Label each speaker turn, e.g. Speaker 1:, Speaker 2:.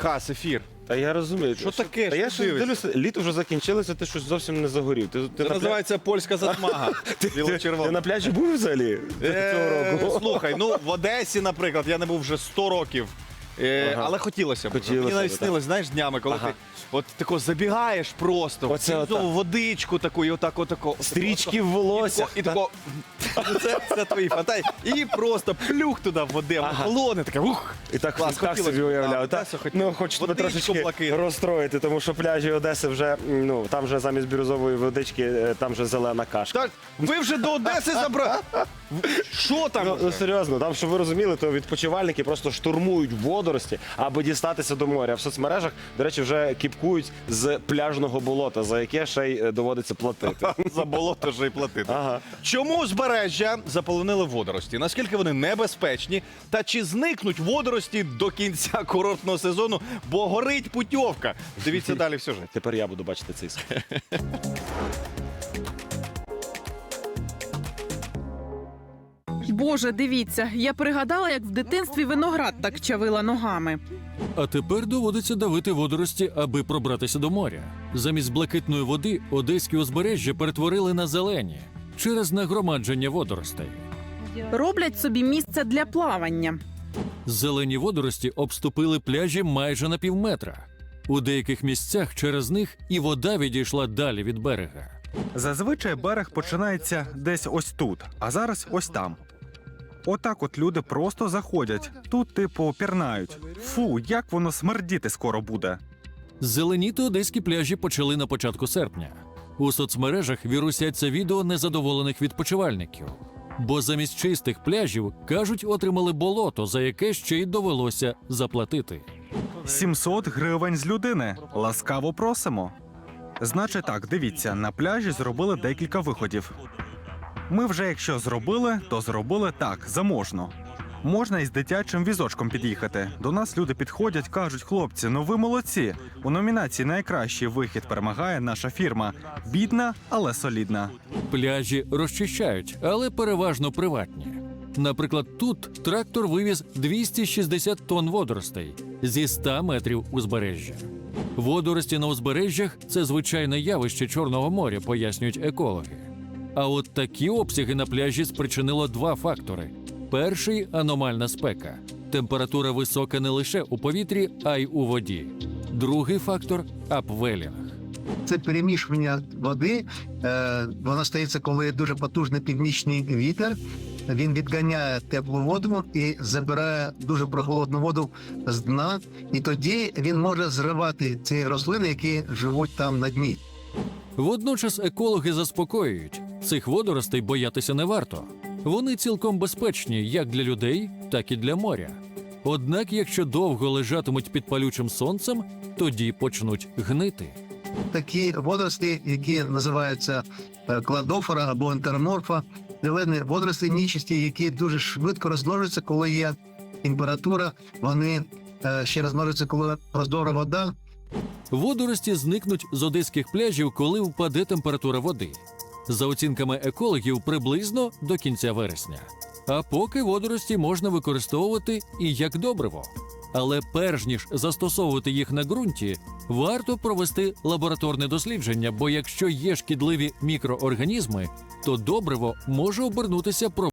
Speaker 1: Хас, ефір.
Speaker 2: Та я розумію.
Speaker 1: Що таке?
Speaker 2: Та я
Speaker 1: Що
Speaker 2: ж
Speaker 1: дивишся?
Speaker 2: дивлюся, літо вже закінчилося, ти щось зовсім не загорів. Ти
Speaker 1: Називається польська затмага.
Speaker 2: ти
Speaker 1: Біло-червона.
Speaker 2: на пляжі був взагалі цього року?
Speaker 1: Слухай, ну в Одесі, наприклад, я не був вже 100 років. Але хотілося б.
Speaker 2: Хотілося
Speaker 1: Мені навіть
Speaker 2: б,
Speaker 1: снилось, знаєш, днями, коли ти от тако забігаєш просто,
Speaker 2: Оце
Speaker 1: в
Speaker 2: отак.
Speaker 1: водичку таку, і отако.
Speaker 2: Стрічки в волосся.
Speaker 1: І тако, це твої фантазії. І просто плюх туди в води, холоне, таке, ух.
Speaker 2: І так,
Speaker 1: Клас,
Speaker 2: так
Speaker 1: хотілося
Speaker 2: собі
Speaker 1: б,
Speaker 2: уявляв.
Speaker 1: так,
Speaker 2: Так?
Speaker 1: Одесу хотілося.
Speaker 2: Ну, хочу тебе
Speaker 1: Водичку
Speaker 2: трошечки
Speaker 1: блакитну.
Speaker 2: розстроїти, тому що пляжі Одеси вже, ну, там вже замість бірюзової водички, там вже зелена кашка.
Speaker 1: Так, ви вже до Одеси забрали. Що там?
Speaker 2: Ну, серйозно, там, щоб ви розуміли, то відпочивальники просто штурмують водорості, аби дістатися до моря. В соцмережах, до речі, вже кіпкують з пляжного болота, за яке ще й доводиться платити.
Speaker 1: За болото вже й платити.
Speaker 2: Ага.
Speaker 1: Чому узбережжя заполонили водорості? Наскільки вони небезпечні? Та чи зникнуть водорості до кінця курортного сезону, бо горить путьовка? Дивіться далі в сюжеті.
Speaker 2: Тепер я буду бачити цей схід.
Speaker 3: Боже, дивіться, я пригадала, як в дитинстві виноград так чавила ногами.
Speaker 4: А тепер доводиться давити водорості, аби пробратися до моря. Замість блакитної води одеські узбережжя перетворили на зелені через нагромадження водоростей.
Speaker 3: Роблять собі місце для плавання.
Speaker 4: Зелені водорості обступили пляжі майже на півметра. У деяких місцях через них і вода відійшла далі від берега.
Speaker 5: Зазвичай берег починається десь ось тут, а зараз ось там. Отак от люди просто заходять, тут типу пірнають. Фу, як воно смердіти скоро буде.
Speaker 4: Зеленіти одеські пляжі почали на початку серпня. У соцмережах вірусяться відео незадоволених відпочивальників. Бо замість чистих пляжів, кажуть, отримали болото, за яке ще й довелося заплатити.
Speaker 5: 700 гривень з людини. Ласкаво просимо. Значить так, дивіться, на пляжі зробили декілька виходів. Ми вже якщо зробили, то зробили так, заможно. Можна із дитячим візочком під'їхати. До нас люди підходять, кажуть, хлопці, ну ви молодці. У номінації «Найкращий вихід» перемагає наша фірма. Бідна, але солідна.
Speaker 4: Пляжі розчищають, але переважно приватні. Наприклад, тут трактор вивіз 260 тонн водоростей зі 100 метрів узбережжя. Водорості на узбережжях – це звичайне явище Чорного моря, пояснюють екологи. А от такі обсяги на пляжі спричинило два фактори. Перший – аномальна спека. Температура висока не лише у повітрі, а й у воді. Другий фактор – апвелінг.
Speaker 6: Це перемішування води. Воно стається, коли дуже потужний північний вітер. Він відганяє теплу воду і забирає дуже прохолодну воду з дна. І тоді він може зривати ці рослини, які живуть там на дні.
Speaker 4: Водночас екологи заспокоюють – цих водоростей боятися не варто. Вони цілком безпечні як для людей, так і для моря. Однак, якщо довго лежатимуть під палючим сонцем, тоді почнуть гнити.
Speaker 6: Такі водорості, які називаються кладофора або ентероморфа, зелені водорості нічисті, які дуже швидко розмножуються, коли є температура, вони ще розмножуються, коли прозора вода.
Speaker 4: Водорості зникнуть з одеських пляжів, коли впаде температура води. За оцінками екологів, приблизно до кінця вересня. А поки водорості можна використовувати і як добриво. Але перш ніж застосовувати їх на ґрунті, варто провести лабораторне дослідження, бо якщо є шкідливі мікроорганізми, то добриво може обернутися